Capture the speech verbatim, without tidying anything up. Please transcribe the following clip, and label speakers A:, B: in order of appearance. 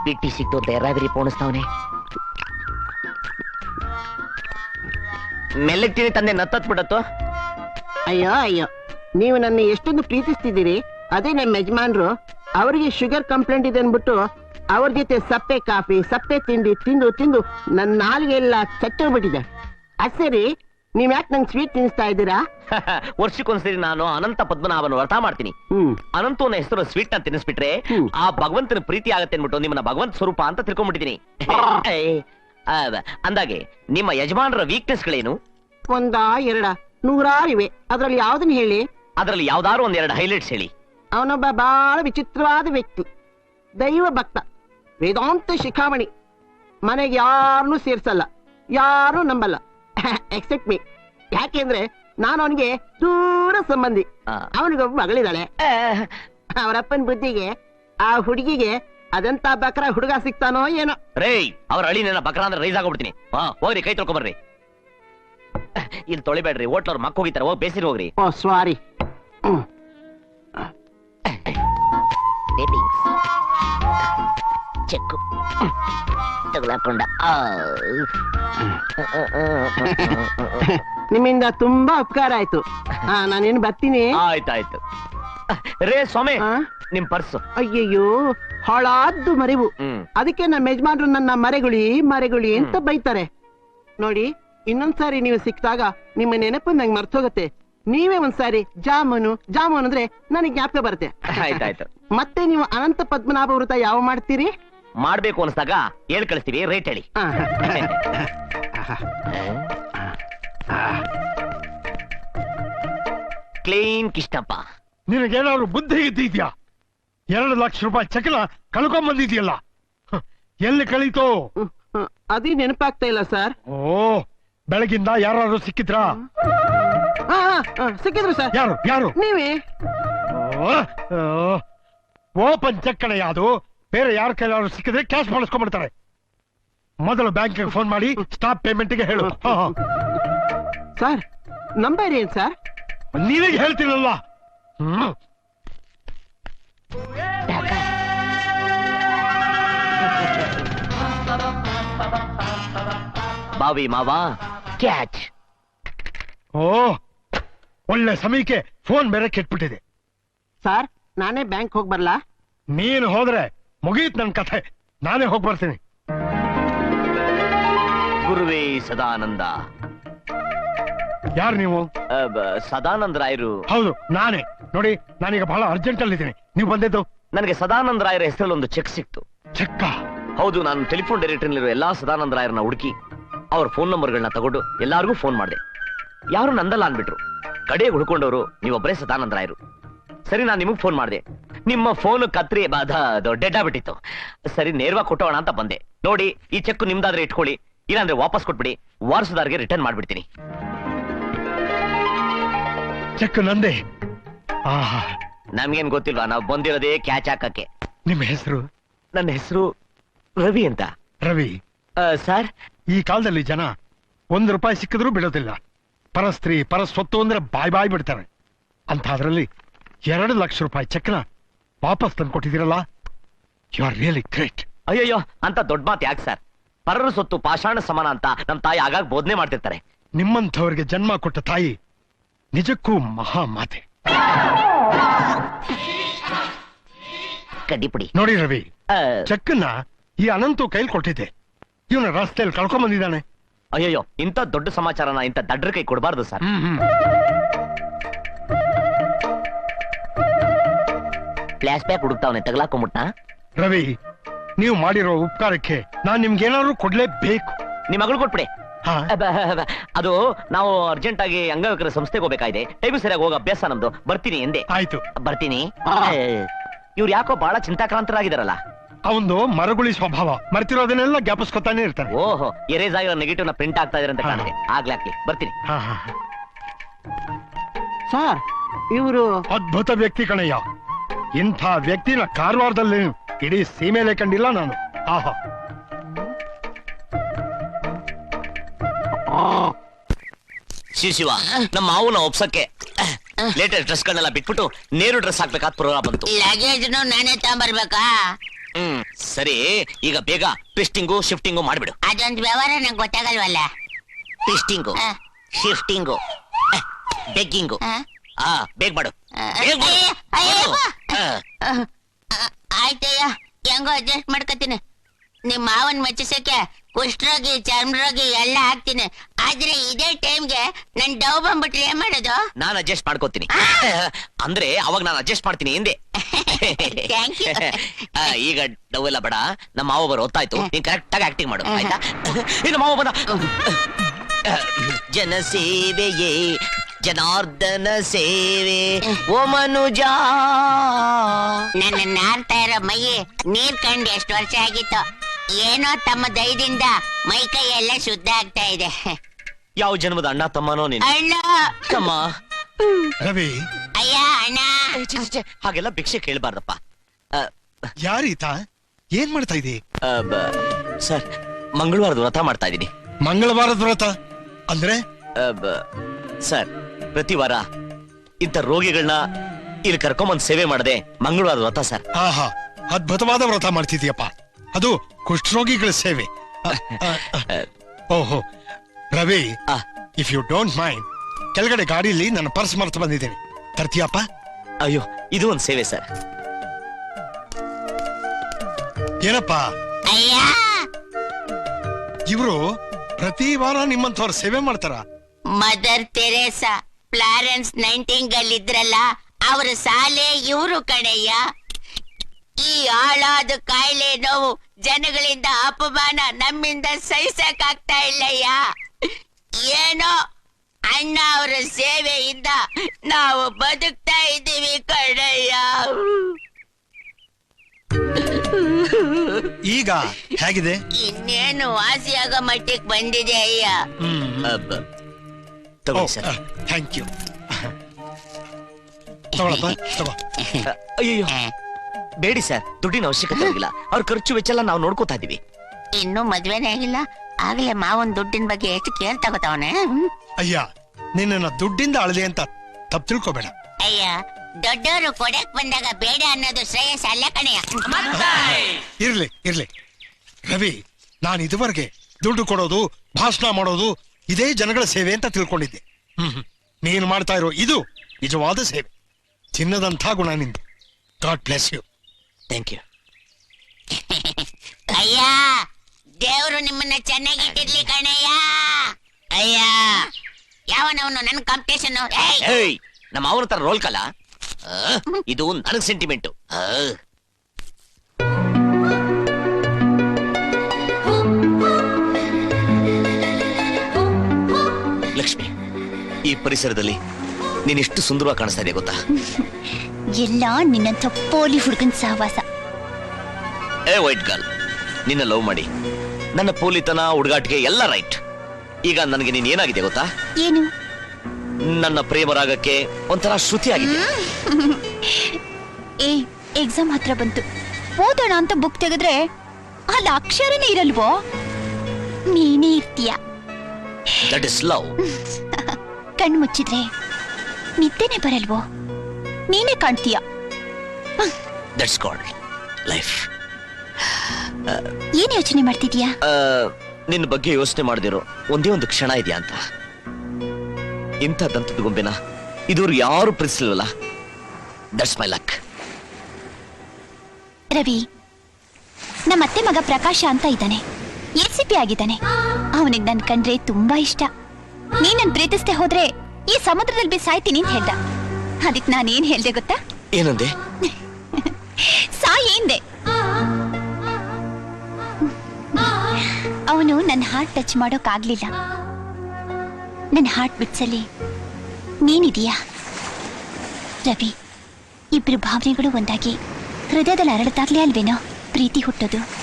A: ಬಿಟ್ಟಿ ಸಿಕ್ತು ಅಂತ ಯಾರಾದ್ರಿ ಪೋಣಿಸ್ತಾವನೆ. ಮೆಲ್ಲಗ್ತೀನಿ ತಂದೆ ನತ್ತತ್ ಬಿಡತ್ತು.
B: ಅಯ್ಯೋ ಅಯ್ಯೋ, ನೀವು ನನ್ನ ಎಷ್ಟೊಂದು ಪ್ರೀತಿಸ್ತಿದ್ದೀರಿ. ಅದೇ ನಮ್ಮ ಯಜಮಾನ್ರು ಅವರಿಗೆ ಶುಗರ್ ಕಂಪ್ಲೇಂಟ್ ಇದೆ ಅನ್ಬಿಟ್ಟು ಅವ್ರ ಜೊತೆ ಸಪ್ಪೆ ಕಾಫಿ ಸಪ್ಪೆ ತಿಂಡಿ ತಿಂದು ತಿಂದು ನನ್ನ ನಾಲಿಗೆ ಎಲ್ಲ ಚಟ್ಟೋಗ್ಬಿಟ್ಟಿದೆ. ಅದ್ ಸರಿ, ನೀವ್ ಯಾಕೆ ನಂಗೆ ಸ್ವೀಟ್ ತಿನ್ನಿಸ್ತಾ ಇದ್ದೀರಾ?
A: ವರ್ಷಕ್ಕೊಂದ್ಸರಿ ನಾನು ಅನಂತ ಪದ್ಮನಾಭನ ವ್ರತ ಮಾಡ್ತೀನಿ.
B: ಹ್ಮ್
A: ಅನಂತನ ಹೆಸರು ಸ್ವೀಟ್ ನ ತಿನ್ನಿಸ್ಬಿಟ್ರೆ ಆ ಭಗವಂತನ ಪ್ರೀತಿ ಆಗತ್ತೆ ಅನ್ಬಿಟ್ಟು ನಿಮ್ಮನ್ನ ಭಗವಂತ ಸ್ವರೂಪ ಅಂತ ತಿಳ್ಕೊಂಡ್ಬಿಟ್ಟಿದೀನಿ. ಅಂದಾಗೆ ನಿಮ್ಮ ಯಜಮಾನರ ವೀಕ್ನೆಸ್ ಗಳೇನು?
B: ಒಂದ ಎರಡ ನೂರಾರಿವೆ, ಅದ್ರಲ್ಲಿ ಯಾವ್ದನ್ನ ಹೇಳಿ?
A: ಅದ್ರಲ್ಲಿ ಯಾವ್ದಾದ್ರು ಒಂದೆರಡು ಹೈಲೈಟ್ಸ್ ಹೇಳಿ.
B: ಅವನೊಬ್ಬ ಬಹಳ ವಿಚಿತ್ರವಾದ ವ್ಯಕ್ತಿ, ದೈವ ಭಕ್ತ, ವೇದಾಂತ ಶಿಖಾಮಣಿ. ಮನೆಗೆ ಯಾರನ್ನೂ ಸೇರ್ಸಲ್ಲ, ಯಾರು ನಂಬಲ್ಲ ಎಕ್ಸೆಪ್ಟ್ ಮೀ. ಯಾಕೆಂದ್ರೆ ನಾನು ಅವನಿಗೆ ದೂರ ಸಂಬಂಧಿ. ಅವನಿಗೊಬ್ಬ ಮಗಳಿದ್ದಾಳೆ. ಅವರಪ್ಪನ ಬುದ್ಧಿಗೆ ಆ ಹುಡುಗಿಗೆ ಅದಂತ ಬಕ್ರ ಹುಡುಗ ಸಿಗ್ತಾನೋ ಏನೋ.
A: ರೇ, ಅವ್ರ ಅಳಿನ ಬಕ್ರ ಅಂದ್ರೆ ರೈಸ್ ಆಗೋಗ್ಬಿಡ್ತೀನಿ. ಹೋಗ್ರಿ, ಕೈ ತೊಳ್ಕೊಂಬರ್ರಿ. ಇಲ್ಲಿ ತೊಳಿಬೇಡ್ರಿ, ಹೋಟ್ಲವ್ರು ಮಕ್ಕ ಹೋಗಿತಾರೆ. ಹೋಗಿ ಬೇಸಿರಿ ಹೋಗ್ರಿ.
B: Oh sorry.
A: ಚೆಕ್ಕು ತಗೊಳಕೊಂಡ.
B: ನಿಮ್ಮಿಂದ ತುಂಬಾ ಉಪಕಾರ ಆಯ್ತು. ಹಾ, ನಾನೇನು ಬರ್ತೀನಿ.
A: ಆಯ್ತಾಯ್ತು. ರೇ ಸ್ವಾಮಿ, ನಿಮ್ ಪರ್ಸು.
B: ಅಯ್ಯಯ್ಯೋ, ಹಾಳಾದ್ದು ಮರಿವು. ಅದಕ್ಕೆ ನಮ್ಮ ಯಜಮಾನ್ರು ನನ್ನ ಮರೆಗುಳಿ ಮರೆಗುಳಿ ಅಂತ ಬೈತಾರೆ. ನೋಡಿ, ಇನ್ನೊಂದ್ಸಾರಿ ನೀವು ಸಿಕ್ಕಿದಾಗ ನಿಮ್ಮ ನೆನಪು ನಂಗೆ ಮರ್ತೋಗತ್ತೆ. ನೀವೇ ಒಂದ್ಸಾರಿ ಜಾಮೂನು ಜಾಮೂನ್ ಅಂದ್ರೆ ನನಗೆ ಜ್ಞಾಪಕ ಬರುತ್ತೆ.
A: ಆಯ್ತಾಯ್ತು.
B: ಮತ್ತೆ ನೀವು ಅನಂತ ಪದ್ಮನಾಭ ವ್ರತ ಯಾವ ಮಾಡ್ತೀರಿ?
A: ಮಾಡ್ಬೇಕು ಅನ್ಸ್ದಾಗ ಹೇಳ್ ಕಳಿಸ್ತೀವಿ. ರೇಟ್ ಹೇಳಿ. ಕ್ಲೀನ್ ಕಿಷ್ಟಪ್ಪ.
C: ನಿನಗೇನಾದ್ರು ಬುದ್ಧಿ ಇದ್ದಿದ್ಯಾ? ಎರಡು ಲಕ್ಷ ರೂಪಾಯಿ ಚೆಕ್ನ ಕಳ್ಕೊಂಡ್ ಬಂದಿದ್ಯಲ್ಲ, ಎಲ್ಲಿ ಕಳೀತು?
B: ಅದೇ ನೆನಪಾಗ್ತಾ ಇಲ್ಲ ಸರ್.
C: ಓ, ಬೆಳಗಿಂದ ಯಾರು ಸಿಕ್ಕಿದ್ರಾ?
B: ಸಿಕ್ಕಿದ್ರು ಸರ್.
C: ಯಾರು ಯಾರು?
B: ನೀವೇ.
C: ಓಪನ್ ಚೆಕ್ ಕಡೆ ಯಾವುದು? ಬೇರೆ ಯಾರ ಕೈಲಾದ್ರು ಸಿಕ್ಕಿದ್ರೆ ಕ್ಯಾಶ್ ಮಾಡಿಸ್ಕೊಂಡ್ಬಿಡ್ತಾರೆ. ಮೊದಲು ಬ್ಯಾಂಕ್ಗೆ ಫೋನ್ ಮಾಡಿ ಸ್ಟಾಪ್ ಪೇಮೆಂಟ್ಗೆ ಹೇಳು.
B: ಸರ್, ನಂಬರ್ ಏನ್ ಸರ್?
C: ನೀವೇ ಹೇಳ್ತೀರಲ್ಲ. ಹ್ಮ್,
A: ಬಾವಿ ಮಾವಾ ಕ್ಯಾಚ್.
C: ಓ, ಒಳ್ಳೆ ಸಮಯಕ್ಕೆ ಫೋನ್ ಬೇರೆ ಕೆಟ್ಬಿಟ್ಟಿದೆ.
B: ಸರ್, ನಾನೇ ಬ್ಯಾಂಕ್ ಹೋಗಿ ಬರ್ಲಾ?
C: ನೀನು ಹೋದ್ರೆ ಮುಗೀತ್ ನನ್ ಕಥೆ. ನಾನೇ ಹೋಗಿ ಬರ್ತೀನಿ.
A: ಗುರುವೇ ಸದಾನಂದ.
C: ಯಾರು ನೀವು?
A: ಸದಾನಂದ ರಾಯರು.
C: ಹೌದು, ನಾನೇ. ನೋಡಿ, ನಾನೀಗ ಬಹಳ ಅರ್ಜೆಂಟ್ ಅಲ್ಲಿ ಇದ್ದೀನಿ. ನೀವು ಬಂದಿದ್ದು?
A: ನನಗೆ ಸದಾನಂದ ರಾಯರ ಹೆಸರಲ್ಲಿ ಒಂದು ಚೆಕ್ ಸಿಕ್ತು.
C: ಚೆಕ್ಕ?
A: ಹೌದು. ನಾನು ಟೆಲಿಫೋನ್ ಡೈರೆಕ್ಟರಿನಲ್ಲಿರೋ ಎಲ್ಲಾ ಸದಾನಂದ ರಾಯರನ್ನ ಹುಡುಕಿ ಅವ್ರ ಫೋನ್ ನಂಬರ್ಗಳನ್ನ ತಗೊಂಡು ಎಲ್ಲಾರ್ಗೂ ಫೋನ್ ಮಾಡಿದೆ. ಯಾರು ನಂದಲ್ಲ ಅನ್ಬಿಟ್ರು. ಕಡೆಗೆ ಹುಡ್ಕೊಂಡವರು ನೀವೊಬ್ಬರೇ ಸದಾನಂದ ರಾಯರು. ಸರಿ, ನಾನು ನಿಮಗ್ ಫೋನ್ ಮಾಡಿದೆ. ನಿಮ್ಮ ಫೋನ್ ಕತ್ರಿ ಡೆಡ್ ಆಗ್ಬಿಟ್ಟಿತ್ತು. ಸರಿ, ನೇರವಾಗಿ ಕೊಟ್ಟೋಣ ಅಂತ ಬಂದೆ. ನೋಡಿ, ಈ ಚೆಕ್ ನಿಮ್ದಾದ್ರೆ ಇಟ್ಕೊಳ್ಳಿ, ಇಲ್ಲಾಂದ್ರೆ ವಾಪಸ್ ಕೊಟ್ಬಿಡಿ. ವಾರಸುದಾರ್ಗೆ ರಿಟರ್ನ್ ಮಾಡ್ಬಿಡ್ತೀನಿ.
C: ಚೆಕ್ ನಂದೇ.
A: ನಮ್ಗೇನ್ ಗೊತ್ತಿಲ್ವಾ? ನಾವು ಬಂದಿರೋದೇ ಕ್ಯಾಚ್ ಹಾಕಕ್ಕೆ.
C: ನಿಮ್ಮ ಹೆಸರು?
A: ನನ್ನ ಹೆಸರು ರವಿ ಅಂತ.
C: ರವಿ
A: ಸರ್,
C: ಈ ಕಾಲದಲ್ಲಿ ಜನ ಒಂದು ರೂಪಾಯಿ ಸಿಕ್ಕಿದ್ರು ಬಿಡೋದಿಲ್ಲ. ಪರಸ್ತ್ರೀ ಪರಸ್ವತ್ತು ಅಂದ್ರೆ ಬಾಯ್ ಬಾಯ್ ಬಿಡ್ತಾರೆ. ಅಂತ ಅದರಲ್ಲಿ ಎರಡು ಲಕ್ಷ ರೂಪಾಯಿ ಚೆಕ್ನ ವಾಪಸ್ ತಂದು ಕೊಟ್ಟಿದ್ದೀರಲ್ಲ, ಯು ಆರ್ ರಿಯಲಿ ಗ್ರೇಟ್.
A: ಅಯ್ಯಯ್ಯೋ, ಅಂತ ದೊಡ್ಡ ಮಾತು ಯಾಕೆ ಸರ್? ಪರರ ಸೊತ್ತು ಪಾಷಾಣ ಸಮಾನ ಅಂತ ನಮ್ಮ ತಾಯಿ ಆಗಾಗ ಬೋಧನೆ ಮಾಡ್ತಿರ್ತಾರೆ.
C: ನಿಮ್ಮಂಥವ್ರಿಗೆ ಜನ್ಮ ಕೊಟ್ಟ ತಾಯಿ ನಿಜಕ್ಕೂ ಮಹಾ ಮಾತೆ.
A: ಕಡ್ಡಿಪುಡಿ.
C: ನೋಡಿ ರವಿ, ಚೆಕ್ಕನ್ನ ಈ ಅನಂತು ಕೈಲಿ ಕೊಟ್ಟಿದ್ದೆ. ಇವನ ರಸ್ತೆಯಲ್ಲಿ ಕಳ್ಕೊಂಡ್ ಬಂದಿದ್ದಾನೆ.
A: ಅಯ್ಯಯ್ಯೋ, ಇಂಥ ದೊಡ್ಡ ಸಮಾಚಾರನ ಇಂಥ ದಡ್ರ ಕೈ ಕೊಡಬಾರ್ದು ಸರ್. ಫ್ಲಾಶ್ ಬ್ಯಾಕ್ ಹುಡುಕ್ತಾವನೆ, ತಗಲಾಕೊಂಬಿಟ್ಟ.
C: ರವಿ, ನೀವು ಮಾಡಿರೋ ಉಪಕಾರಕ್ಕೆ ನಾನ್ ನಿಮ್ಗೇನಾದ್ರು ಕೊಡ್ಲೇಬೇಕು.
A: ನಿಮ್ ಮಗಳು ಕೊಟ್ಬಿಡಿ. ಅದು ನಾವು ಅರ್ಜೆಂಟ್ ಆಗಿ ಅಂಗವಿಕಲ ಸಂಸ್ಥೆಗೆ ಹೋಗ್ಬೇಕಾಗಿದೆ. ಟೈಮ್ ಸರಿಯಾಗಿ ಹೋಗೋ ಅಭ್ಯಾಸ ನಮ್ದು. ಬರ್ತೀನಿ ಎಂದೆ.
C: ಆಯ್ತು,
A: ಬರ್ತೀನಿ. ಇವ್ರು ಯಾಕೋ ಬಹಳ ಚಿಂತಾಕ್ರಾಂತರಾಗಿದಾರಲ್ಲ.
C: ಅವಂದು ಮರಗುಳಿ ಸ್ವಭಾವ, ಮರ್ತಿರೋದನ್ನೆಲ್ಲ ಜ್ಞಾಪಿಸ್ಕೊತಾನೆ ಇರ್ತಾನೆ.
A: ಓಹೋ, ಎರೇಸ್ ಆಗಿರೋ ನೆಗೆಟಿವ್ ನ ಪ್ರಿಂಟ್ ಆಗ್ತಾ ಇದ್ರೆ ಅಂತ ಕಾಣಿದೆ. ಆಗ್ಲಾಕ್ಲಿ, ಬರ್ತೀನಿ.
B: ಸರ್, ಇವರು
C: ಅದ್ಭುತ ವ್ಯಕ್ತಿ ಕಣಯ್ಯ. ಇಂಥ ವ್ಯಕ್ತಿನ ಕಾರವಾರದಲ್ಲಿ ಇಡೀ ಸೀಮೆಲೆ ಕಂಡಿಲ್ಲ ನಾನು. ಆಹಾ,
A: ಶಿವ ಶಿವ, ನಮ್ಮ ಮಾವನ ಒಪ್ಸಕ್ಕೆ ಲೇಟೆಸ್ಟ್ ಡ್ರೆಸ್ ಗಳನ್ನೆಲ್ಲ ಬಿಟ್ಬಿಟ್ಟು ನೇರು ಡ್ರೆಸ್ ಹಾಕ್ಬೇಕಾದ ಪ್ರೋಗ್ರಾಮ್ ಬಂತು.
D: ಲಗೇಜ್ ನಾನೇ ತಗೊಂಡ್ಬರ್ಬೇಕಾ?
A: ಹ್ಮ್ ಸರಿ, ಈಗ ಬೇಗ ಟ್ವಿಸ್ಟಿಂಗು ಶಿಫ್ಟಿಂಗು ಮಾಡ್ಬಿಡು.
D: ಅದೊಂದು ವ್ಯವಹಾರ ನಂಗೆ ಗೊತ್ತಾಗಲ್ವಲ್ಲ.
A: ಟ್ವಿಸ್ಟಿಂಗು
D: ಆ.
A: Shifting begging.
D: ಆ?
A: ಆ ಬೇಗ ಮಾಡು,
D: ಆ,
A: ಬೇಗ ಮಾಡು.
D: ಅಯ್ಯ, ಅಯ್ಯಪ್ಪ.
A: ಆ.
D: ಆ, ಆ, ಆಯ್ತಯ್ಯ, ಹೆಂಗೋ ಅಡ್ಜಸ್ಟ್ ಮಾಡ್ಕೊತೀನಿ. ನಿಮ್ ಮಾವನ್ ಮೆಚ್ಚಿಸಕ್ಕೆ ಕುಷ್ಠರೋಗಿ ಚರ್ಮರೋಗಿ ಎಲ್ಲ ಹಾಕ್ತೀನಿ. ಆದ್ರೆ ಇದೇ ಟೈಮ್ಗೆ ನನ್ ಡವ್ ಬಂದ್ಬಿಟ್ರೆ ಏನ್ ಮಾಡೋದು?
A: ನಾನು ಅಡ್ಜಸ್ಟ್ ಮಾಡ್ಕೋತೀನಿ. ಅಂದ್ರೆ ಅವಾಗ ನಾನು ಅಡ್ಜಸ್ಟ್ ಮಾಡ್ತೀನಿ ಹಿಂದೆ.
D: Thank you.
A: ಆ, ಈಗ ಡವೆಲ್ಲ ಬೇಡ, ನಮ್ಮ ಮಾವ ಬರೋ ಹೊತ್ತಾಯ್ತು. ನೀನ್ ಕರೆಕ್ಟ್ ಆಗಿ ಆಕ್ಟಿಂಗ್ ಮಾಡು, ಆಯ್ತಾ? ಇನ್ನು ಮಾವ ಬಂದ. ಜನಸೇವೆಯೇ ಜನಾರ್ದನ ಸೇವೆ ಓ ಮನುಜ.
D: ನನ್ನ ನಾರ್ತಾ ಇರೋ ಮೈ ನೀರ್ ಕಂಡು ಎಷ್ಟು ವರ್ಷ ಆಗಿತ್ತು. ಏನೋ ತಮ್ಮ ದಯದಿಂದ ಮೈ ಕೈ ಎಲ್ಲ ಶುದ್ಧ ಆಗ್ತಾ ಇದೆ.
A: ಯಾವ ಜನ್ಮದ ಅಣ್ಣ ತಮ್ಮನೋ ನೀನು?
D: ಅಣ್ಣ,
A: ತಮ್ಮ.
C: ರವಿ,
D: ಅಯ್ಯ ಅಣ್ಣ.
A: ಏ, ಛೆ, ಛೆ, ಛೆ, ಹಾಗೆಲ್ಲ ಭಿಕ್ಷೆ ಕೇಳಬಾರ್ದಪ್ಪ.
C: ಯಾರೀತ? ಏನ್ ಮಾಡ್ತಾ ಇದೀ?
A: ಸರ್, ಮಂಗಳವಾರದ ವ್ರತ ಮಾಡ್ತಾ ಇದ್ದೀನಿ.
C: ಮಂಗಳವಾರದ ವ್ರತ ಅಂದ್ರೆ?
A: ಸರ್, ಪ್ರತಿ ವಾರ ಇಂಥ ರೋಗಿಗಳನ್ನ ಇಲ್ಲಿ ಕರ್ಕೊಂಬಂದ್ ಸೇವೆ ಮಾಡದೆ ಮಂಗಳವಾರದ ವ್ರತ ಸರ್.
C: ಆಹಾ, ಅದ್ಭುತವಾದ ವ್ರತ ಮಾಡ್ತಿದ್ಯಪ್ಪ. ಅದು ಕುಷ್ಠರೋಗಿಗಳ ಸೇವೆ. ಅ, ಅ, ಅ. ಓಹೋ ರವಿ,
A: ಆ.
C: ಇಫ್ ಯು ಡೋಂಟ್ ಮೈಂಡ್, ಕೆಳಗಡೆ ಗಾಡಿಲಿ ನನ್ನ ಪರ್ಸ್ ಮರ್ತು ಬಂದಿದ್ದೇನೆ, ತರ್ತೀಯಪ್ಪ?
A: ಅಯ್ಯೋ, ಇದು ಒಂದ್ ಸೇವೆ ಸರ್.
C: ಏನಪ್ಪ
D: ಅಯ್ಯ,
C: ಇವ್ರು ಪ್ರತಿ ವಾರ ನಿಮ್ಮಂತವ್ರ ಸೇವೆ ಮಾಡ್ತಾರ?
D: ಮದರ್ ತೆರೇಸಾ, ಫ್ಲಾರೆನ್ಸ್ ನೈಂಟಿಂಗಲ್ ಇದ್ರಲ್ಲ, ಅವ್ರ ಸಾಲೆ ಇವರು ಕಣಯ್ಯ. ಈ ಆಳಾದ ಕಾಯಿಲೆ ನೋವು ಜನಗಳಿಂದ ಅಪಮಾನ ನಮ್ಮಿಂದ ಸಹಿಸಕ್ಕಾಗ್ತಾ ಇಲ್ಲಯ್ಯ. ಏನೋ ಅಣ್ಣ ಅವರ ಸೇವೆಯಿಂದ ನಾವು ಬದುಕ್ತಾ ಇದ್ದೀವಿ ಕಣಯ್ಯ.
C: ಈಗ ಹೇಗಿದೆ?
D: ಇನ್ನೇನು ವಾಸಿಯಾಗೋ ಮಟ್ಟಿಗೆ ಬಂದಿದೆ ಅಯ್ಯ.
A: ಅಬ್ಬ. ತಗೊಳ್ಳಿ ಸರ್.
C: Thank you. ತಗೊಳಪ್ಪ, ತಗೋ.
A: ಅಯ್ಯೋ, ಬೇಡಿ ಸರ್, ದುಡ್ಡಿನ ಅವಶ್ಯಕತೆ ಇಲ್ಲ. ಅವ್ರ ಖರ್ಚು ವೆಚ್ಚ ಎಲ್ಲ ನಾವು ನೋಡ್ಕೋತಾ ಇದೀವಿ.
D: ಇನ್ನೂ ಮದ್ವೆನೇ ಆಗಿಲ್ಲ, ಆಗ್ಲೇ ಮಾವನ್ ದುಡ್ಡಿನ ಬಗ್ಗೆ ಎಷ್ಟು ಕೇರ್ ತಗೋತಾವನೆ.
C: ಅಯ್ಯ, ನಿನ್ನ ದುಡ್ಡಿಂದ ಅಳದೆ ಅಂತ ತಪ್ಪು ತಿಳ್ಕೊಬೇಡ.
D: ಅಯ್ಯ, ದೊಡ್ಡವರು ಕೊಡಕ್ ಬಂದಾಗ ಬೇಡ ಅನ್ನೋದು ಶ್ರೇಯಸ್ ಅಲ್ಲ ಕಣಯ್ಯ.
C: ಇರ್ಲಿ ಇರ್ಲಿ ರವಿ, ನಾನು ಇದುವರೆಗೆ ದುಡ್ಡು ಕೊಡೋದು, ಭಾಷಣ ಮಾಡೋದು ಇದೇ ಜನಗಳ ಸೇವೆ ಅಂತ ತಿಳ್ಕೊಂಡಿದ್ದೆ. ಹ್ಮ್ ಹ್ಮ್. ನೀನು ಮಾಡ್ತಾ ಇರೋ ಇದು ನಿಜವಾದ ಸೇವೆ. ಚಿನ್ನದಂಥ ಗುಣ ನಿಂದು. God bless you.
A: Thank you.
D: ಅಯ್ಯ, ದೇವ್ರು ನಿಮ್ಮನ್ನ ಚೆನ್ನಾಗಿಟ್ಟಿರ್ಲಿ ಕಣಯ್ಯ. ಅಯ್ಯ, ಯಾವನವನು ನನ್ ಕಾಂಪಿಟೇಷನ್?
A: ಏಯ್, ನಮ್ಮ ಅವನ ತರ ರೋಲ್ ಕಲ. ಆ, ಇದು ನನಗ್ ಸೆಂಟಿಮೆಂಟು. ಲಕ್ಷ್ಮಿ, ಈ ಪರಿಸರದಲ್ಲಿ ನೀನೆಷ್ಟು ಸುಂದರವಾಗಿ ಕಾಣಿಸ್ತಾ ಇದೆ ಗೊತ್ತಾ?
E: ಎಲ್ಲ ನಿನ್ನಂಥ ಪೋಲಿ ಹುಡುಗನ್ ಸಹವಾಸ.
A: ಏ ವೈಟ್ ಗರ್ಲ್, ನಿನ್ನ ಲವ್ ಮಾಡಿ ನನ್ನ ಪೋಲಿತನ ಹುಡುಗಾಟಿಗೆ ಎಲ್ಲ ರೈಟ್. ಈಗ ನನಗೆ ನೀನ್ ಏನಾಗಿದೆ ಗೊತ್ತಾ?
E: ಏನು?
A: ನನ್ನ ಪ್ರೇಮರಾಗಕ್ಕೆ ಒಂಥರ ಶ್ರುತಿ ಆಗಿದೆ.
E: ಏ, ಎಕ್ಸಾಮ್ ಹತ್ರ ಬಂತು, ಓದೋಣ ಅಂತ ಬುಕ್ ತೆಗೆದ್ರೆ ಅಲ್ಲಿ ಅಕ್ಷರನೇ ಇರಲ್ವೋ? ನೀನೇ ಇರ್ತೀಯ.
A: That is love.
E: ಕಣ್ಣು ಮುಚ್ಚಿದ್ರೆ ನಿದ್ದೆನೆ ಬರಲ್ವೋ? ನೀನೇ ಕಾಣ್ತೀಯ.
A: That's called life.
E: ಏನ್ ಯೋಚನೆ ಮಾಡ್ತಿದ್ಯಾ?
A: ನಿನ್ನ ಬಗ್ಗೆ ಯೋಚನೆ ಮಾಡದಿರೋ ಒಂದೇ ಒಂದು ಕ್ಷಣ ಇದೆಯಾ ಅಂತ. ಇಂಥ ದಂತದ ಗೊಂಬೆನ ಇದುವರೆಗೂ ಯಾರು ಪ್ರೀತಿಸಲಿಲ್ವಲ್ಲ. That's my luck.
E: ರವಿ, ನಮ್ಮ ಅತ್ತೆ ಮಗ ಪ್ರಕಾಶ ಅಂತ ಇದ್ದಾನೆ, ಎಸ್ ಸಿ ಪಿ ಆಗಿದ್ದಾನೆ. ಅವನಿಗೆ ನನ್ ಕಂಡ್ರೆ ತುಂಬಾ ಇಷ್ಟ. ನೀನ್ ನನ್ ಪ್ರೀತಿಸ್ದೆ ಹೋದ್ರೆ ಈ ಸಮುದ್ರದಲ್ಲಿ ಬಿ ಸಾಯ್ತೀನಿ ಅಂತ ಹೇಳ್ದ. ಅದಕ್ಕೆ ನಾನೇನ್ ಹೇಳ್ದೆ ಗೊತ್ತಾ?
A: ಏನಂದೆ?
E: ಸಾಯಿ ಎಂದೆ. ಅವನು ನನ್ನ ಹಾರ್ಟ್ ಟಚ್ ಮಾಡೋಕ್ ಆಗ್ಲಿಲ್ಲ. ನನ್ನ ಹಾರ್ಟ್ ಬಿಟ್ಸಲ್ಲಿ ನೀನಿದೀಯಾ ರವಿ. ಇಬ್ರು ಭಾವನೆಗಳು ಒಂದಾಗಿ ಹೃದಯದಲ್ಲಿ ಅರಳದಾಗ್ಲೇ ಅಲ್ವೇನೋ ಪ್ರೀತಿ ಹುಟ್ಟೋದು.